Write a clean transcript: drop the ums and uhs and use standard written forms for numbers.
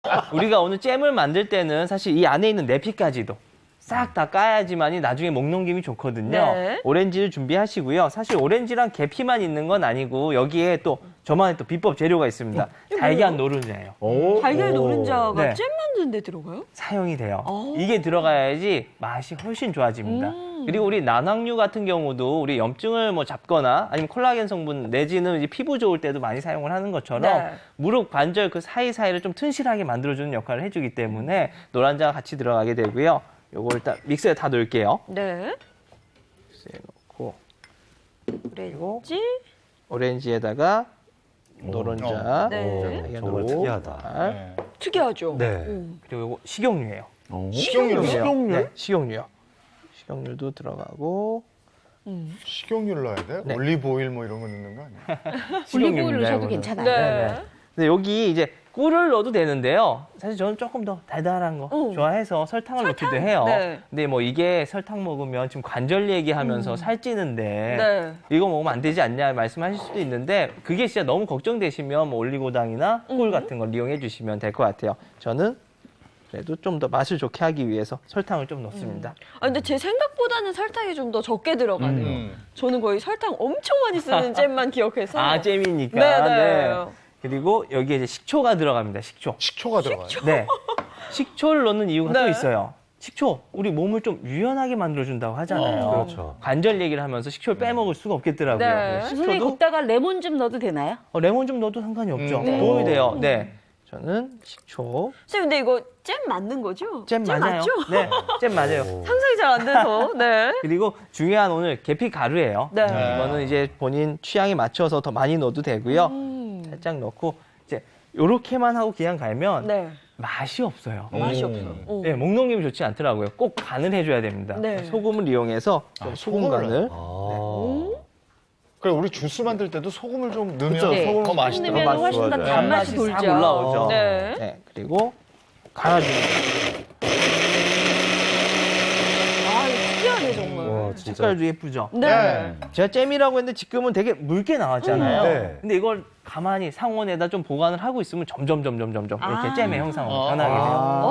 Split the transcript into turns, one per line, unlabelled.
우리가 오늘 잼을 만들 때는 사실 이 안에 있는 내피까지도 싹 다 까야지만이 나중에 목 넘김이 좋거든요.
네.
오렌지를 준비하시고요. 사실 오렌지랑 계피만 있는 건 아니고 여기에 또 저만의 또 비법 재료가 있습니다. 달걀 노른자예요.
달걀 노른자가
네.
잼 만드는 데 들어가요?
사용이 돼요.
오.
이게 들어가야지 맛이 훨씬 좋아집니다. 그리고 우리 난황류 같은 경우도 우리 염증을 뭐 잡거나 아니면 콜라겐 성분 내지는 이제 피부 좋을 때도 많이 사용을 하는 것처럼
네.
무릎 관절 그 사이사이를 좀 튼실하게 만들어주는 역할을 해주기 때문에 노른자가 같이 들어가게 되고요. 요거 일단 믹서에 다 넣을게요.
네.
믹서에 넣고
오렌지.
오렌지에다가 노른자,
네.
정말 특이하다.
달,
특이하죠?
네.
그리고 요거 식용유예요.
식용유요?
네, 식용유요. 식용유도 들어가고
식용유를 넣어야 돼?
네.
올리브 오일 뭐 이런 거 넣는 거 아니야?
식용유입니다,
올리브오일 넣으셔도
이거는.
괜찮아요.
네.
근데 여기 이제 꿀을 넣어도 되는데요. 사실 저는 조금 더 달달한 거 좋아해서 설탕을 넣기도 해요.
네.
근데 뭐 이게 설탕 먹으면 지금 관절 얘기하면서 살찌는데
네.
이거 먹으면 안 되지 않냐 말씀하실 수도 있는데 그게 진짜 너무 걱정되시면 뭐 올리고당이나 꿀 같은 걸 이용해 주시면 될 것 같아요. 저는 그래도 좀 더 맛을 좋게 하기 위해서 설탕을 좀 넣습니다.
아, 근데 제 생각보다는 설탕이 좀 더 적게 들어가네요. 저는 거의 설탕 엄청 많이 쓰는 잼만 기억해서.
아, 잼이니까.
네네.
그리고 여기에 이제 식초가 들어갑니다. 식초.
식초가 들어가요.
네. 식초를 넣는 이유가 또
네.
있어요. 식초, 우리 몸을 좀 유연하게 만들어준다고 하잖아요.
그렇죠.
관절 얘기를 하면서 식초를 빼먹을 수가 없겠더라고요.
네.
선생님
식초도
걷다가 레몬 좀 넣어도 되나요?
레몬 좀 넣어도 상관이 없죠.
네.
도움이 돼요. 네. 저는 식초.
선생님, 근데 이거 잼 맞는 거죠?
잼 맞아요.
맞죠?
네, 잼 맞아요.
상상이 잘 안 돼서. 네.
그리고 중요한 오늘 계피 가루예요.
네.
이거는 이제 본인 취향에 맞춰서 더 많이 넣어도 되고요. 살짝 넣고 이제 요렇게만 하고 그냥 갈면
네.
맛이 없어요.
맛이 없어.
네, 목 넘김이 좋지 않더라고요. 꼭 간을 해줘야 됩니다.
네.
소금을 이용해서 좀 소금 간을.
그래 우리 주스 만들 때도 소금을 좀 넣으면
네.
더
소금
맛있더라고요.
넣으면 훨씬 더
좋아져요.
단맛이
싹
돌죠.
올라오죠.
네.
그리고 갈아줍니다.
아, 이거 특이하네, 정말.
와, 진짜.
색깔도 예쁘죠?
네.
제가 잼이라고 했는데 지금은 되게 묽게 나왔잖아요.
네.
근데 이걸 가만히 상온에다 좀 보관을 하고 있으면 점점 이렇게
아.
잼의 형상으로 변하게 돼요.